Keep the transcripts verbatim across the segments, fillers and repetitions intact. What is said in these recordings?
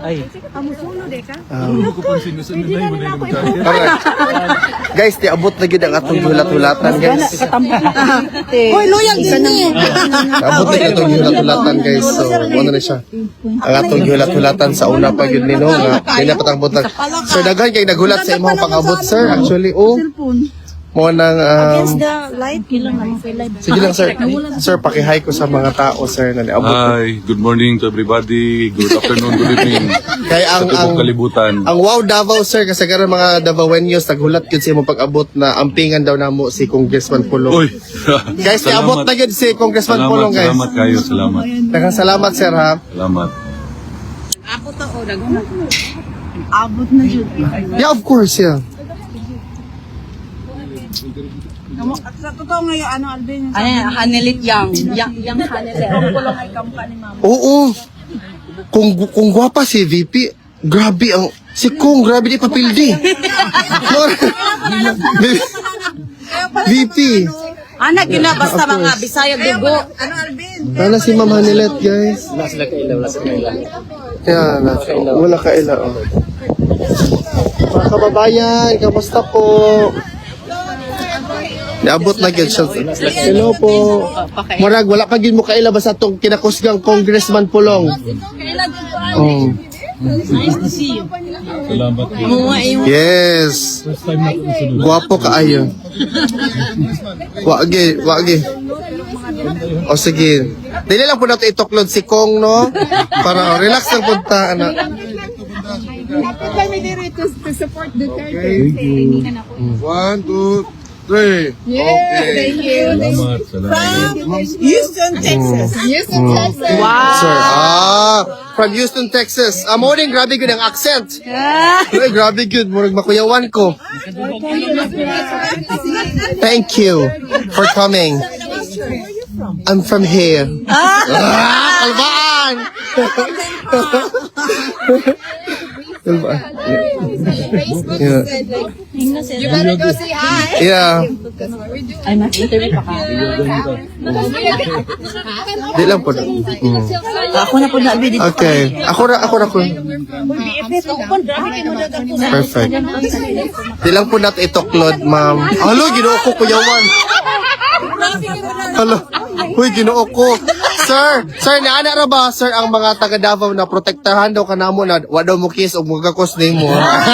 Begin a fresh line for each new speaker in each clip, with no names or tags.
Ay.
Guys, di abot na gid ang atong hulat-hulatan, guys.
Hoy, loyal din ni.
Abot na gid ang hulat-hulatan, guys. So, ano na siya? Ang atong hulat-hulatan sa una pa yun nino nga kanya patang butang. Sir, daghan kay naghulat sa imong pang-abot, sir. Actually, oh. Mo nang um,
The light kilang naman kay live.
sige lang, sir. Sir, paki-hi ko sa mga tao, sir, na niabot.
Hi, good morning to everybody. Good afternoon, good evening.
Kaya ang
Sa
ang
tubong kalibutan.
ang wow Davao, sir, kasi karon mga Davaoenos naghulat gyud sa imong pag-abot na ampingan daw namo si Congressman Pulong.
Uy.
Guys, niabot na gyud si Congressman
Salamat,
Pulong, guys.
salamat kayo, salamat.
Daghang salamat, sir, ha.
Salamat.
Ako to o daghan. Abot na jud.
Yeah, of course, yeah.
Sa totoo ngayon ano Alvin? Ano Hanelit Yang. Yang yang Hanelit. Ang kulong ay kampa ni mama.
Oo. Kung kung gwapa si V P, grabe ang si Kung grabe di papildi. V P.
Anak gina basta mga Bisaya dugo. Ano Alvin?
Wala si Ma'am Hanilet, guys.
Wala sila kaila, wala sila kaila.
Kaya na, wala ka ila. Oh. Mga kababayan, kamusta po? Niabot na gyud siya. Hello po. Murag wala pa gyud mo kaila basta tong kinakusgang Congressman Pulong. Oh.
Nice to see you.
Salamat.
Yes. Guwapo kaayo. Wagi, wagi. O sige. Dili lang po nato itoklod si Kong, no? Para relax lang punta, anak. One, two, three. Okay.
Salamat, salamat.
Houston, Texas. Houston, Texas. Wow.
Sir, ah, from Houston, Texas. Ah, morning, grabe good ang accent. Ay, grabe good. Murag makuyawan ko. Thank you for coming. I'm from here. Ah, Kalbaan! Kalbaan. Yeah.
You better go say hi.
Yeah.
Ay, mas-interview pa ka.
Di lang po. Mm.
Ako na po na Alvin.
Okay. Ako na, ako na po. Perfect. Di lang po natin itoklod, ma'am. Halo, ginoo ko, kuyawan. Halo. Uy, ginoo ko. Sir, sir, naana ra ba, sir, ang mga taga Davao na protektahan daw kanamo na wa daw mo kiss o magkakos nimo.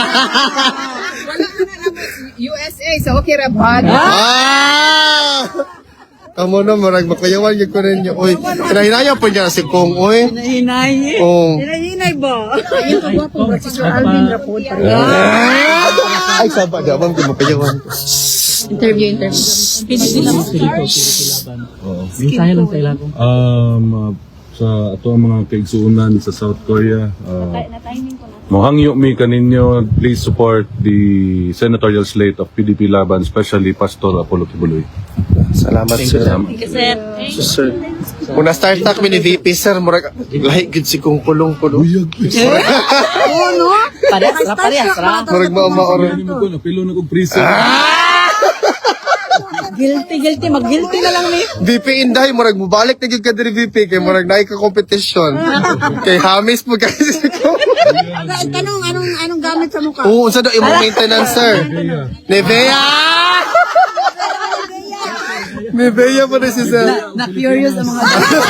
U S A, so okay ra ba?
Ah! Kamo na, marag makayawan yung ko rin niyo. Uy, kinahinaya po niya si Kong, uy.
Hinay.
Oh.
Hinay ba? Ayun ko gwapo, si Sir Alvin Rapod.
Ay, saba, di abang ko makayawan.
Interview, interview.
Mensahe lang sa ilang.
Um, uh, sa ato ang mga kaigsuunan sa South Korea, uh, mohangyo mi kaninyo, please support the senatorial slate of P D P Laban, especially Pastor Apollo Kibuloy.
Salamat, sir.
Sir.
So, sir. Kung na-start tak mi ni V P, sir, murag, lahi gid si Kong Pulong po. No?
Oo, no? Parehas ra, parehas ra.
Murag ma-maor.
Ano mo ko, napilo na kong prison.
Guilty, guilty. Mag-guilty na lang ni.
V P Inday, murag mubalik na gid ka diri V P kay murag naay ka competition. Kay Hamis po kasi si Kong.
Tanong, anong, anong gamit sa mukha?
Oo, unsa daw imong maintenance, sir? Nivea! Nivea pa rin si sir.
Na-curious ang mga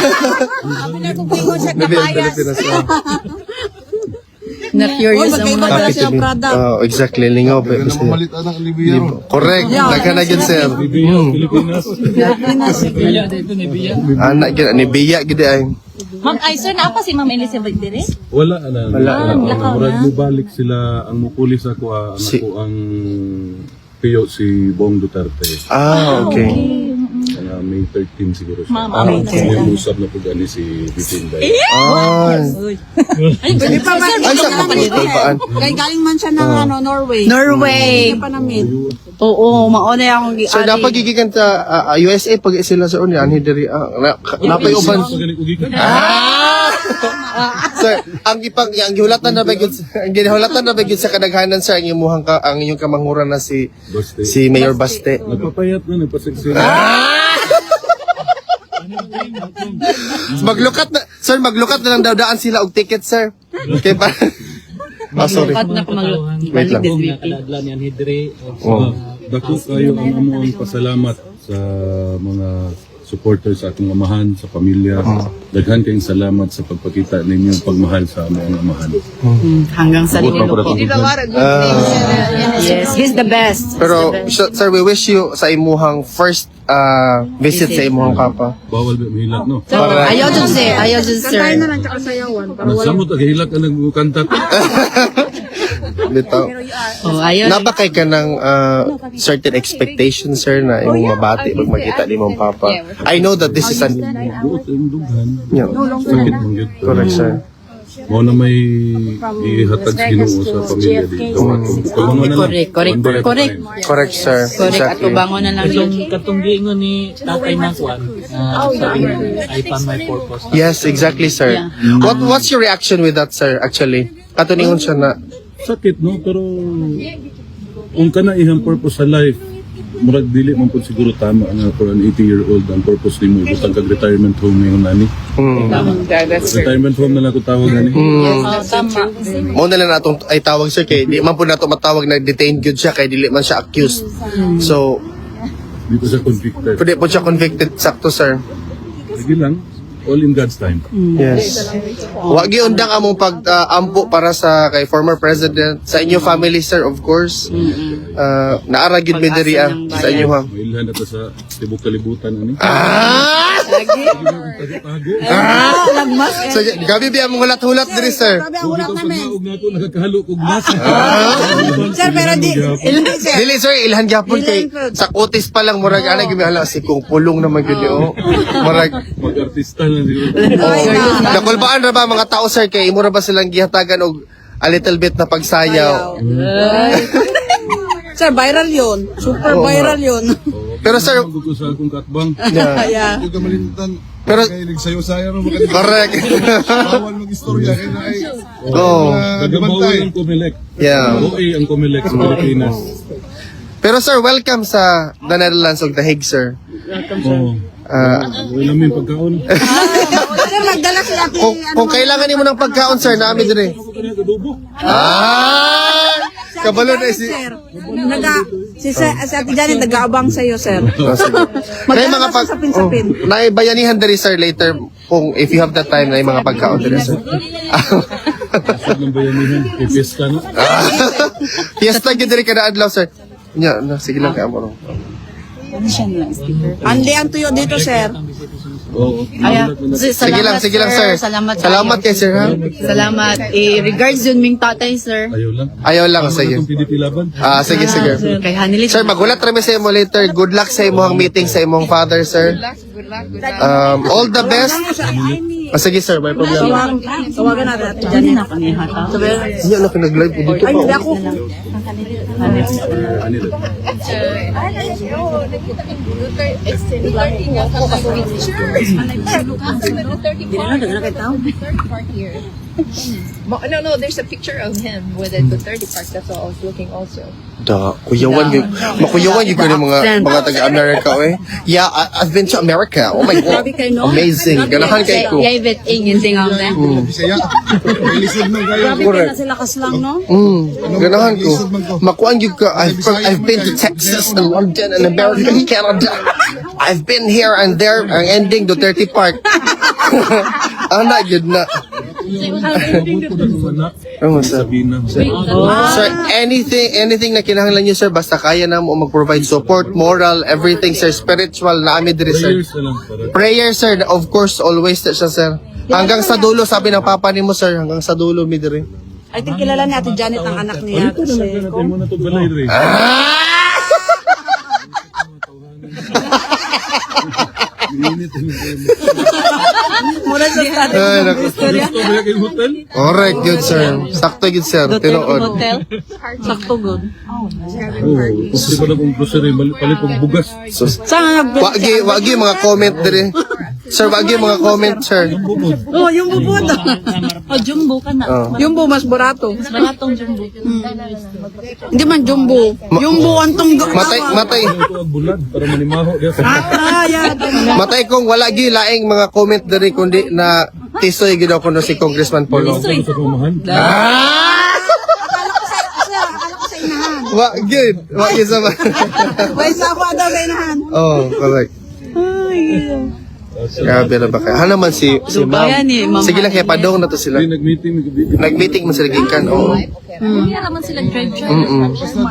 Nivea Pilipinas. sir.
Na-curious ang mga
Happy to be. Oh, exactly. Lingaw. Correct. Nagka na yun, sir. Hmm. Anak yun. Nivea gid ay.
Ma'am, ay sir, na pa si Ma'am Elizabeth dire?
Wala na.
Wala na.
Uh, murag mo balik sila, ang mukulis ako, ah, anak
Si-
ko ang piyo si Bong Duterte.
Ah, okay.
Kaya May thirteenth siguro siya.
Ma'am,
Ah,
okay.
may usap na po gani si Bitinday.
Ah.
Hindi pa ba?
Ay, sa kapatid.
Kay galing man siya ng ano, Norway.
Norway.
Hindi pa na-meet.
Oo, mauna akong
So, dapat gigikan ta ah, U S A pag sila sa unya ani diri ah, na- napay uban. Ah! Sir, ang ipang ang gihulatan na bagid ang gihulatan na bagid sa kadaghanan sir ang imuhang ka ang inyong kamanguran na si
Baste.
si Mayor Baste.
Nagpapayat na, nagpaseksi na.
Ah! Maglukat na, sir, maglukat na lang daw daan sila og ticket, sir. Okay pa. Ah, sorry.
Kat na kumag-
Wait lang.
Kung nakadadla niyan hidre.
Oh.
Dako kayo ang amuang pasalamat sa mga supporters sa ating amahan, sa pamilya. Daghan kayong salamat sa pagpakita ninyong pagmahal sa among amahan.
Mm, hanggang sa
Abot
dulo
pa
po.
para
Yes, he's the best.
Pero, sir, sir, we wish you sa imuhang first uh, visit sa imuhang kapa.
Bawal ba mahilak, no?
So, ayaw dun sir, ayaw dun sir.
Kantahin na lang tsaka sayawan. Para wala.
Nagsamot ang hilak ang nagkanta.
Bitaw.
Oh, ayaw.
Nabakay ka ng uh, certain expectations, sir, na imong mabati pag makita ni mong papa. I know that this is an...
Buot ang dughan.
Yeah,
Sakit mong yun.
correct, sir.
Mo na may ihatag sa Ginoo sa pamilya dito. Kubangon na lang.
Correct, correct,
One day at a
correct.
time.
Correct, sir.
Correct, at
Exactly.
ubangon na lang yun.
Katong katong giingon ni Tatay Nakwan, na sabi niya, I found my purpose.
Yes, exactly, sir. What What's your reaction with that, sir, actually? Katuningon siya na...
Sakit, no? Pero kung ka na ihang purpose sa life, murag dili man po siguro tama nga for an eighty-year-old ang purpose ni mo. Butang kag-retirement home ngayon nani. Retirement home na lang ko tawag nani.
Oh, tama.
Mo na lang natong ay tawag, sir, kay di man po nato matawag na detained good siya, kay dili man siya accused. So,
Dito sa convicted.
pwede po siya convicted, sakto, sir.
Sige lang. All in God's time.
Yes. Wa giundang among pag-ampo para sa kay former president sa inyo family, sir, of course. Uh, naara gid mi diri ah, sa inyo ha.
Mailhan ato sa tibok kalibutan ani.
Ah!
Tago.
Ah! So, gabi biya mong hulat-hulat diri, sir.
Sabi ang ulat namin.
Ug nato nakakahalo og nasa.
Sir, pero di. Sir.
Dili, sir, ilhan gyapon kay sa kutis pa lang murag ana gyud hala si kung pulong naman gyud oh. Murag
Mag-artista na siguro.
nakulbaan ra ba mga tao, sir, kay imo ra ba silang gihatagan og a little bit na pagsayaw.
Sir, viral yun. Super viral yun.
Pero sir,
Gusto ko sa akong katbang.
yeah.
Kaya,
Yung kamalimutan,
Pero
kahilig sa'yo saya rin makalimutan.
correct.
Bawal mag-istorya, kaya na ay
Oh.
Nagabawal ang Comelec.
Yeah.
O A ang Comelec sa Pilipinas.
Pero sir, welcome sa the Netherlands ug The Hague, sir.
Oo.
Ah,
Wala may pagkaon.
sir, magdala si Ate.
kung, kung kailangan nimo ng pagkaon, sir, naami dire.
Adobo.
Ah! Kabalo na si...
Sir, naga, si, si, si Ate Janet nag-aabang sa'yo, sir.
Oh, sige. May mga pag...
sa sapin-sapin.
Oh, naibayanihan diri, sir, later kung if you have the time na yung mga pagkaon diri, sir.
Sa ng bayanihan. Ipiesta na.
Fiesta gyud diri kada adlaw, sir. Nya, na sige lang kay amo.
Andi ang tuyo dito, sir.
Oo.
Aya, si-
Sige lang,
salamat,
sige lang, sir.
Salamat.
Salamat kay sir, ha?
Salamat. Eh, regards yun ming tatay, sir.
Ayaw lang.
Ayaw lang, sige.
Itong P D P laban.
Ah, sige, sige.
Kay Hanilit.
Sir, magulat rami sa imo later. Good luck sa imong meeting sa imong father, sir. Um, all the best. Ah, sige, sir, may problema.
Tawag, tawagan natin Ate
Diyan
Janet.
na kami hata.
Iya na nag-live po dito
Ay,
pa.
hindi
oh.
ako.
Ano rin?
Mo- No, no, there's a picture of him with the Duterte Park. That's what I was looking also.
Da, kuyawan yun. Makuyawan yun ko ng mga mga taga-America, eh. Yeah, I, I've been to America. Oh my God.
Grabe kayo, no?
Amazing. Ganahan kay ko.
Yay, bet, ing, yung tingaw na.
Bisaya. Ilisod mo kayo.
Grabe kayo na sila kaslang, no?
Mm, ganahan ko. Makuan yun ka. I've, I've been to Texas and London and America and Canada. I've been here and there. Ang ending, Duterte Park. Ana, yun na.
Abot ko na itong anak.
Ano, sir?
Sabina.
Sir, anything anything na kinahanglan niyo, sir, basta kaya na mo mag-provide support, moral, everything, sir, spiritual, na amin diri, sir.
Prayers na lang para.
Prayer, sir, of course, always siya, sir. Hanggang sa dulo, sabi ng papa ni mo, sir, hanggang sa dulo, mi diri.
I think kilala ni Ate Janet ang anak niya.
Ito na lang
Kasi,
natin mo na itong balay rin. Minit yung
mula sa start.
Ay, naku.
Gusto ba yung hotel?
Correct, good, sir. Sakto, good, sir. Tinuod.
Hotel. Sakto good.
Oo. Kasi pa na kong grocery, palit pag bugas.
So,
Saan nga nag-
wagi, wagi, mga comment diri. Sir, wag yung mga comment, sir.
Oh, yung bubod.
Oh, jumbo ka na.
Oh.
Yung bu mas barato.
Mas baratong jumbo.
Hindi man jumbo. Jumbo antong
Matay, matay.
Ito ang bulad para manimaho.
Ah, yeah.
Matay kong wala gi laing mga comment diri kundi na tisoy gid ako no si Congressman Polo.
Sa kumahan.
Ah!
Akala ko sa inahan.
Wa gid, wa gid sa.
Why sa ako daw sa inahan?
Oh, correct. Grabe na ba kayo? Ha naman si si ma'am.
Ayan eh, ma'am.
Sige lang kaya padong na to sila.
Hindi nag-meeting. nag-meeting.
Nag-meeting man sila gikan. Oh.
Hindi naman sila drive siya.
Mm.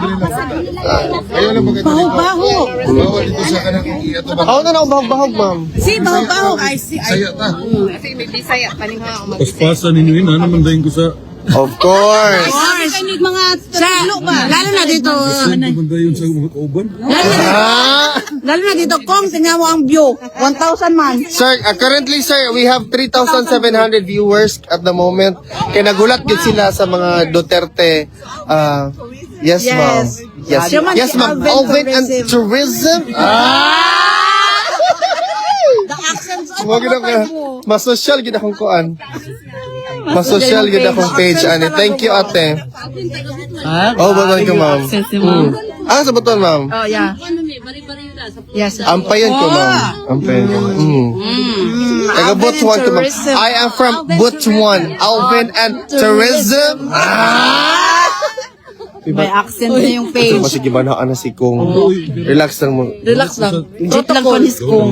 Ayaw lang maganda.
Baho-baho.
Bawal dito sa kanang iato ba?
Ako na na bahog-bahog, ma'am.
Si baho-baho ay si
Saya ta.
Kasi may bisaya, paningha ako mag-
Paspasan ninyo yun. Ano man dahin ko sa...
Of course.
Kanig mga trilo ba? Lalo na dito.
Saan man dahin sa mga kauban?
Ah!
Lalo na dito kung tingnan mo ang view. one thousand man.
Sir, uh, currently sir, we have three thousand seven hundred viewers at the moment. Kaya nagulat gid sila sa mga Duterte. Uh, yes, ma'am. Yes,
Siya man
yes,
si
ma'am.
Alvin
Alvin and tourism. Ah!
The accents of
Mo gid ako. Mas social gid akong kuan. Mas social gid akong page ani. Thank you, ate. Oh, babay ko, ma'am.
Accent ni ma'am.
Ah, sa buton, ma'am.
Oh, yeah. Yes.
Ampayan ko, ma'am. Ampayan ko. Mm. Taga Butuan ko, ma'am.
tourism.
I am from Butuan. Alvin and tourism. Ah!
May accent na yung
Ito,
page.
masige ba na si Kong? Relax lang mo.
Relax lang.
Legit lang pa ni Skong.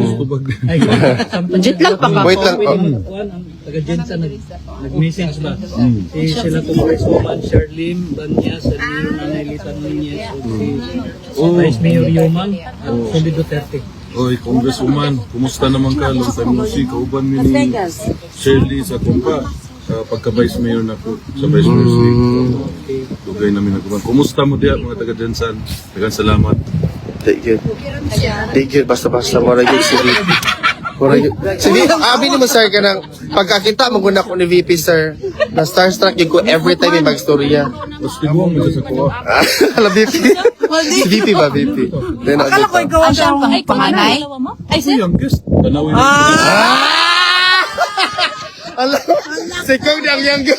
Legit lang pa ka.
Wait lang. Oh.
Kuan ang taga Jensa nag nag-message ba? Si sila Congresswoman Sherlyn Banya sa Mayor Nanay Nunez o si Vice Mayor Yuman at Sandy Duterte.
Oy, Congresswoman, kumusta naman ka? Long time no see, kauban mo ni Shirley sa kumpa. Sa pagka-vice mayor na po, sa vice mayor state. Dugay namin nagkuman. Kumusta mo diya mga taga-Jensan? Tagang salamat.
Thank you. Thank you. Basta-basta. Mura yun si V P. Mura yun. Si V P, abi ni mo sir ka ng pagkakita maguna ko ni V P sir. Na starstruck yun ko every time may mag-storya.
Tapos tiguang mo sa kuha.
Alam V P? Si V P ba V P? Then,
Akala ko ikaw ang siyang
Panganay?
Ay, si youngest. Tanawin na.
Ah! Alam, si Kong di ang younger.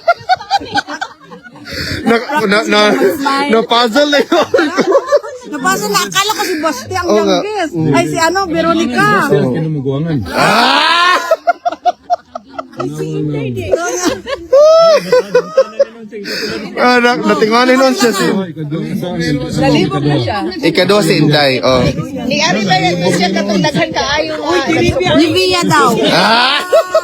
na, na, na, na puzzle na yun.
Napasa na, akala ko si Basti ang
Oo nga.
youngest. Ay, si ano, Veronica.
Sila kinumuguangan.
Ah! Ah, na, natinganin nun siya si...
Nalibog na siya.
Ikaduha si Inday, oh.
Ni Ari ba yan? Siya katong daghan kaayo nga.
Ni Via daw.
Ah!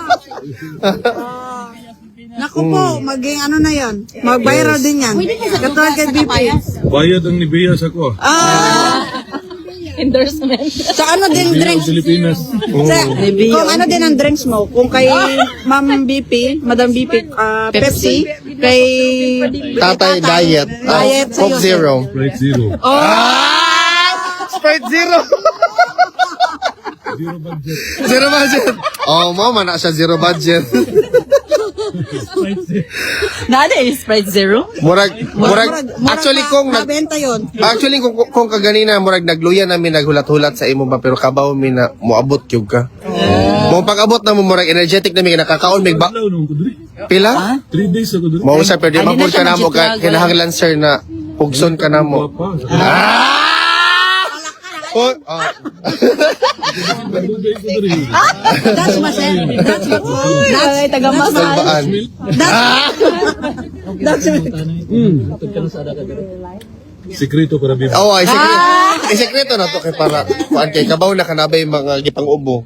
Naku po, maging ano na yan. Mag-viral din yan. Katulad kay B P.
Bayad ang nibiya sa ko.
Ah!
Endorsement.
Sa ano din
Nibiya
drinks?
ang Pilipinas.
Sa, kung ano din ang drinks mo, kung kay Ma'am B P, Madam B P, ah, Pepsi, kay
Tatay diet. Ah,
Diet sa
Coke
Yosef.
Zero.
Right zero.
Ah! Sprite Zero!
Zero budget.
Zero budget. Oh, mama na siya zero budget.
Nada eh, Sprite Zero.
Murag, murag, actually kung nag,
nabenta yun.
actually kung kung kaganina murag nagluya namin naghulat-hulat sa imo ba pero kabaw mi na moabot gyud ka. Mo pag-abot na mo murag energetic na mi nakakaon mig ba
Hello, nung ko diri.
pila?
Three days ako diri.
Mo sa pero di
Ay, di na
mapud ka
siya
namo ka
mag-jet lag,
kinahanglan sir na pugson ka namo.
Papa.
Ah! Oh, oh.
Nagdugay ko diri.
That's masel. That's what.
Ay, taga Masal.
Salbaan. Ah!
That's
Hmm. Sekreto para bibi.
Oh, ay sekreto. Ay sekreto na to kay para kuan kay kabaw na kanabay mga gipang ubo.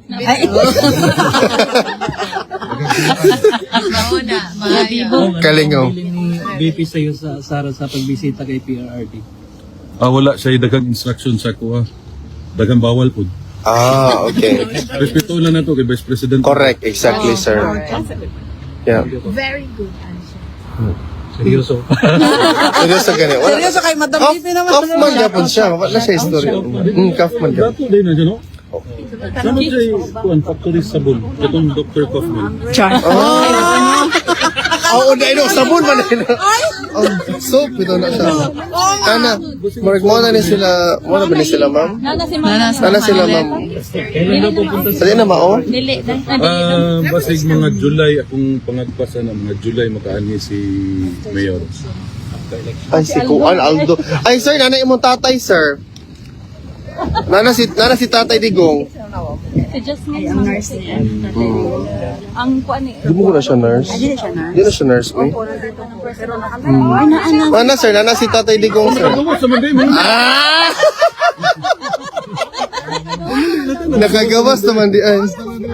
Mga bibo.
Kalingaw.
Ni B P sa iyo sa Sara sa pagbisita kay P R R D.
Ah, wala siya dagang instruction sa kuha. Dagang bawal po.
Ah, okay.
Respeto lang na to kay Vice President.
Correct, exactly, sir. Yeah.
Very good answer.
Seryoso.
Seryoso ganun. Wala.
Seryoso kay Madam
Kaf,
B P naman.
Kaufman yapon siya. Wala siya history. Hmm, Kaufman yapon.
Dato din na siya, no? Sama siya yung kuhan, factory sabon. Itong Doctor Kaufman.
Char.
Akala
Oo, na ino, sabon man ino. Oh, soap, ito na siya. Kana, marag mo na ni sila, mo na ba ni sila, ma'am?
Nana si Nana.
Sana sila, ma'am.
Kailan daw pupunta sa
Sali na, mao?
Dili.
Ah, basig mga July akong pangagpasan ng mga July makaani si Mayor.
Ay, si Kuan Aldo. Ay, sir, nanay imong tatay, sir. Nana si, nana si Tatay Digong.
Si Jasmine. Ang nurse niya. Ang kuan eh.
Di mo ko na siya nurse?
Hindi siya nurse.
Di na siya nurse, eh.
Ano, ano?
Nana, sir, nana si Tatay Digong, sir. Ah! Nakagawas naman di ay.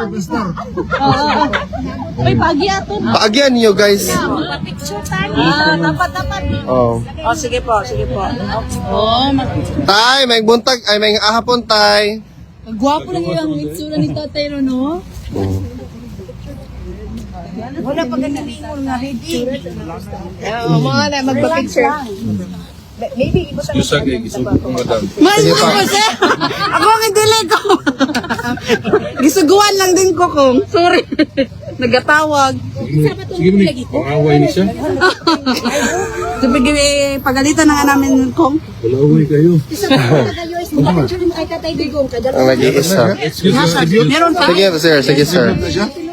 Uy, pagi ato.
Paagyan niyo, guys.
Ah, dapat, dapat.
Oh.
Oh, sige po, sige po. Oh,
Tay, may buntag, ay may ahapon, tay.
gwapo lang yung itsura ni Tatay Ro, no? Wala pa ganun nga ready.
Oh, mga na, magpa-picture. Maybe, ibo sa
Yusa kay gisugod ko madam.
Mas mo ko siya. Ako ang idili ko. Gisuguan lang din ko kung. Sorry. Nagatawag.
Sige mo ni, pangaway ni siya.
Sabi eh, pagalitan na nga namin kung.
Walaway kayo.
Ang nag-iisa.
Excuse me.
Meron pa?
Sige, sir. Sige, sir.